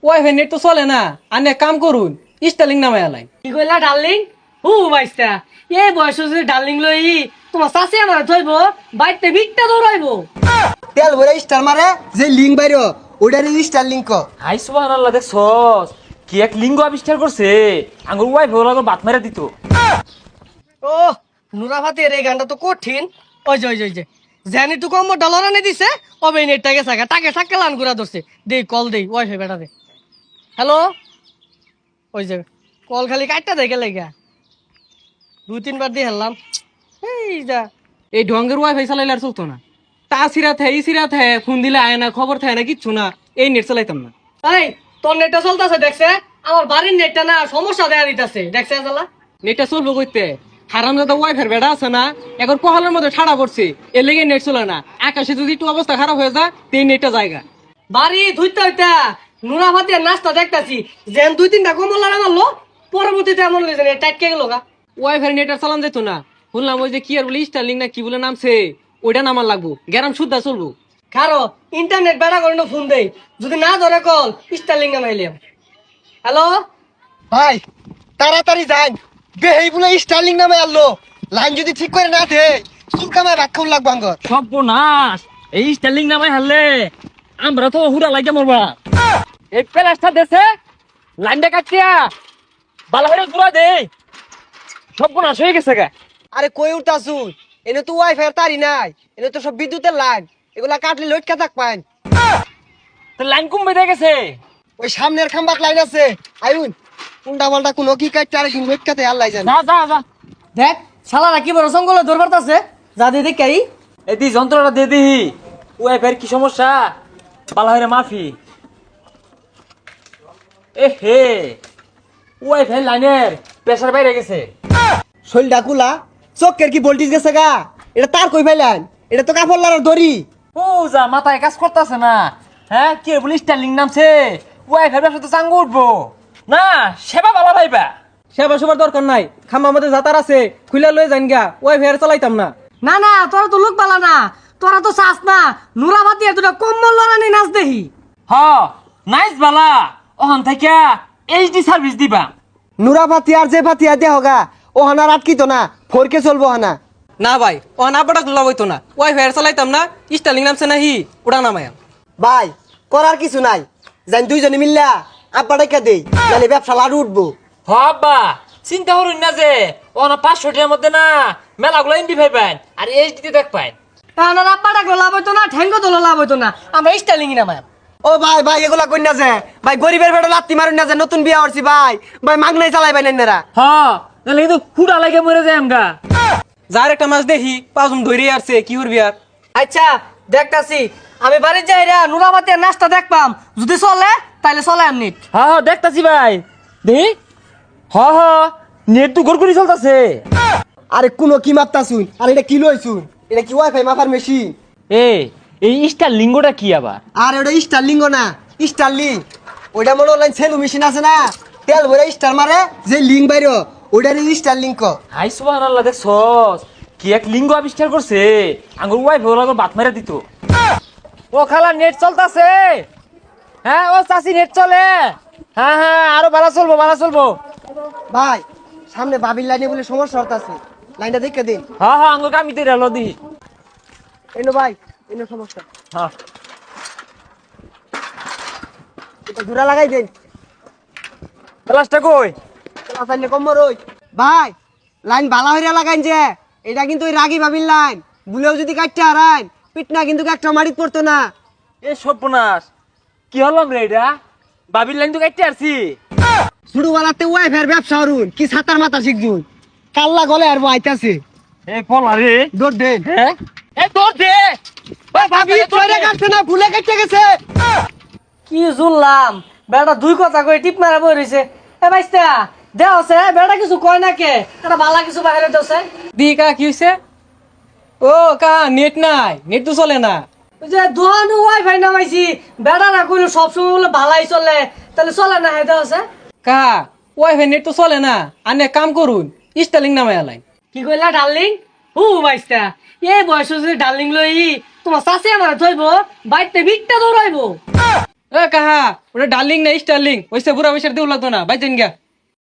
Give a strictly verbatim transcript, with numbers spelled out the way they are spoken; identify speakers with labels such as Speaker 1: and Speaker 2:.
Speaker 1: Wifi net তো চলে না, আনে কাম করুন স্টারলিং নামে আলাই।
Speaker 2: কি কইলা ডার্লিং? হু বাইস্তা এ বয়স যদি ডার্লিং লই তোমার চাষি আমার থইব বাইতে ভিকটা দৌড়াইবো।
Speaker 3: তেল ভরে স্টার মারে যে লিঙ্ক বাইরো ওইটারে স্টার লিঙ্ক।
Speaker 4: হাই সুবহানাল্লাহ, দেখছস কি এক লিঙ্গ আবিষ্কার করছে, আঙ্গুর ওয়াইফ হলো আগর বাত মেরে দিত।
Speaker 2: ও নুরাফাতের এই গানটা তো কঠিন। ওই যে ওই যে ওই যে জানি তো কম ডলার আনে দিছে অবে নেটটাকে সাকা তাকে সাকা লান ঘুরা ধরছে। দেই কল দেই ওয়াইফাই বেটা দে। হ্যালো, ওই যে কল খালি কাটটা দেখে লেগা দুই তিনবার দিয়ে হেললাম। এই যা
Speaker 1: এই ঢঙ্গের ওয়াইফাই চালাইলে আর চলতো না। তা সিরা থাকে ই সিরা থাকে, ফোন দিলে আয় না, খবর থাকে না, কিচ্ছু না। এই নেট চালাইতাম না।
Speaker 2: এই তোর নেটটা চলতেছে দেখছে, আমার বাড়ির নেটটা না সমস্যা দেখা দিতেছে দেখছে জ্বালা।
Speaker 1: নেটটা চলবো কইতে হারাম দাদা ওয়াইফাই বেড়া আছে না, এখন কহলের মধ্যে ঠাড়া পড়ছে, এর লেগে নেট চলে না। আকাশে যদি একটু অবস্থা খারাপ হয়ে যায় তো এই নেটটা জায়গা
Speaker 2: বাড়ি ধুইতে হইতা নুরাফাতের নাস্তা দেখতাছি যেন দুই তিনটা কমল লাড়া মারলো, পরবর্তীতে এমন হয়েছে টাইটকে গেল গা।
Speaker 1: ওয়াইফাই নেট আর চালান যেত না। শুনলাম ওই যে কি আর বলে স্টারলিং না কি বলে নামছে, ওইটা নামার লাগবো, গ্যারাম শুদ্ধা চলবো।
Speaker 2: কারো ইন্টারনেট বেড়া করে ফোন দেই, যদি না ধরে কল স্টারলিং নামাইলাম। হ্যালো
Speaker 3: ভাই তাড়াতাড়ি যান, বেহেই বলে স্টারলিং নামে আনলো। লাইন যদি ঠিক করে না দে চুল কামায় ভাত খাওয়া লাগবো আঙ্গর।
Speaker 4: সর্বনাশ, এই স্টাইলিং নামাই হারলে আমরা তো হুড়া লাগে মরবা। এই প্লাস্টার দেশে লাইনটা কাটিয়া বালা হয়ে ঘুরা দে, সর্বনাশ হয়ে গেছে গা।
Speaker 3: আরে কই উঠতাছুন, এনে তো ওয়াইফাই তারি নাই, এনে তো সব বিদ্যুতের লাইন, এগুলা কাটলে লটকা থাক পাইন।
Speaker 4: তো লাইন কম বেঁধে গেছে।
Speaker 3: ওই সামনের খাম্বাত লাইন আছে, আইউন উল্টা পাল্টা কোনো কি কাটতে আরেকদিন লটকাতে আল্লাহ জানে।
Speaker 4: যা যা যা,
Speaker 2: দেখ শালারা কি বড় সঙ্গলে দরবার আছে যা দিয়ে দেখ এই
Speaker 4: এই দি যন্ত্রটা দিয়ে দিহি। ওয়াইফাই কি সমস্যা, বালা হয়ে মাফি। এ হে, ওয়াইফাই লাইনের প্রেসার বাইরে গেছে।
Speaker 3: শৈল ডাকুলা চোখের কি ভোল্টেজ গেছে গা, এটা তার কই পাইলেন, এটা তো কাপড় লাগার দড়ি।
Speaker 4: ও যা মাথায় কাজ করতেছে না। হ্যাঁ কি বলি স্টাইলিং নামছে, ওয়াইফাই ব্যবসা তো চাঙ্গু উঠবো না, সেবা বালা পাইবা।
Speaker 1: সেবা সবার দরকার নাই, খাম্বার মধ্যে যাতার আছে, খুলে লয়ে যান গা, ওয়াইফাই আর চালাইতাম না।
Speaker 2: না না তোরা তো লোক বালা না, তোরা তো চাস না নুরাফাতি দুটা কম্বল লড়ানি নাচ দেখি।
Speaker 4: হ নাইস বালা, ওখান থেকে এইচডি সার্ভিস দিবা।
Speaker 3: নুরা পাতি আর যে পাতি আর দেহ গা ও হানার আটকিত না, ফোরকে চলবো হানা।
Speaker 1: না ভাই, ও না আব্বাটা গুলা বইতো না, ওয়াইফাই আর চালাইতাম না। স্টারলিং নামছে না হি, ওটা নামায়াম।
Speaker 3: ভাই করার কিছু নাই, জান দুইজনে মিললা আব্বা ডাইকা দেই, নালে ব্যবসা লাড়ু উঠবো।
Speaker 4: হ আব্বা চিন্তা করুন না যে ওখানে পাঁচশো টাকার মধ্যে না মেলাগুলো ইন্ডি ভাই পাইন আর এইচডি দেখ পাইন।
Speaker 2: না রাব্বা ডাকলো লাভ হইতো না, ঠ্যাঙ্গো তোলো লাভ হইতো না, আমরা স্টাইলিং নামায়।
Speaker 3: ও ভাই ভাই এগুলা কই না যে, ভাই গরিবের বেটা লাত্তি মারুন না যে, নতুন বিয়া হরছি ভাই, ভাই মাগনাই চালাই পাই না।
Speaker 4: হ্যাঁ নাহলে কিন্তু খুঁড়া লাগে মরে যায় আমগা।
Speaker 1: যার একটা মাছ দেখি পাঁচজন ধরে আসছে, কি করবি আর।
Speaker 2: আচ্ছা দেখতাছি, আমি বাড়ির যাই রে নুরাফাতি নাচটা দেখপাম, যদি চলে তাহলে চলে এমনি।
Speaker 4: হ্যাঁ হ্যাঁ দেখতাছি ভাই, দেখি হ হ নেট তো গড়গড়ি চলতেছে।
Speaker 3: আরে কোনো কি মাপতাছুন, আর এটা কি লইছুন, এটা কি ওয়াইফাই মাপার মেশিন?
Speaker 4: এ এই স্টার লিঙ্গটা কি আবার?
Speaker 3: আর ওটা স্টারলিং না, স্টারলিং ওইটা মনে অনলাইন সেলু মেশিন আছে না, তেল ভরে স্টার মারে যে লিঙ্ক বাইরো ওইটারে স্টারলিং ক।
Speaker 4: হাই সুবহানাল্লাহ, দেখছস কি এক লিঙ্গ আবিষ্কার করছে, আঙ্গুর ওয়াইফ হলো আগর বাত মেরে দিত। ও খালা নেট চলতেছে। হ্যাঁ ও চাচি নেট চলে। হ্যাঁ হ্যাঁ আরো ভালো চলবো ভালো চলবো।
Speaker 3: ভাই সামনে বাবির লাইনে বলে সমস্যা হতাছে, লাইনটা দেখে দিন।
Speaker 4: হ্যাঁ হ্যাঁ আঙ্গুর কামিতে রেলো দি।
Speaker 3: এনো ভাই এনো সমস্যা,
Speaker 4: হ্যাঁ
Speaker 3: এটা জোড়া লাগাই দেন।
Speaker 4: প্লাসটা কই?
Speaker 3: লাইনে কম রই ভাই, লাইন বালা হইরা লাগাইন যে, এটা কিন্তু ওই রাগি বাবির লাইন, বুলেও যদি কাটতে হারাইন পিটনা কিন্তু একটা মারিত পড়তো না।
Speaker 4: এ সর্বনাশ, কি হলাম রে এটা, বাবির লাইন তো কাটতে আসছি।
Speaker 3: শুরু বেলাতে ওয়াইফাইয়ের ব্যবসা হরুন, কি সাতার মাথা শিখছুন, কাল্লা গলে আর আইতাছে।
Speaker 4: এ পলা রে,
Speaker 3: দৌড় দেন।
Speaker 4: হ্যাঁ এ তোর দে।
Speaker 3: ওই ভাবি চলে কাটছে না, ভুলে কেটে গেছে।
Speaker 2: কি জুললাম বেটা দুই কথা কই টিপ মারা বই রইছে। এ ভাইস্তা দেওছে বেটা কিছু কয় না কে, এটা বালা কিছু বাইরে দেওছে।
Speaker 1: দি কা কি হইছে? ও কা নেট নাই, নেট তো চলে না।
Speaker 2: ওই যে দোহান ওয়াইফাই নামাইছি, বেটা না কইলো সবসময় বলে ভালাই চলে, তাহলে চলে না হেদে আছে।
Speaker 1: কা ওয়াইফাই নেট তো চলে না, আনে কাম করুন স্টারলিং নামে আলাই।
Speaker 2: কি কইলা ডার্লিং? হু ভাইস্তা এই বয়স যদি ডার্লিং লই তোমার চাষি আমার থইব বাইতে ভিকটা দৌড়াইবো।
Speaker 1: এ কাহা ওটা ডার্লিং না স্টার্লিং ওইসে বুড়া বৈশার দেউ লাগতো না বাইচেন গা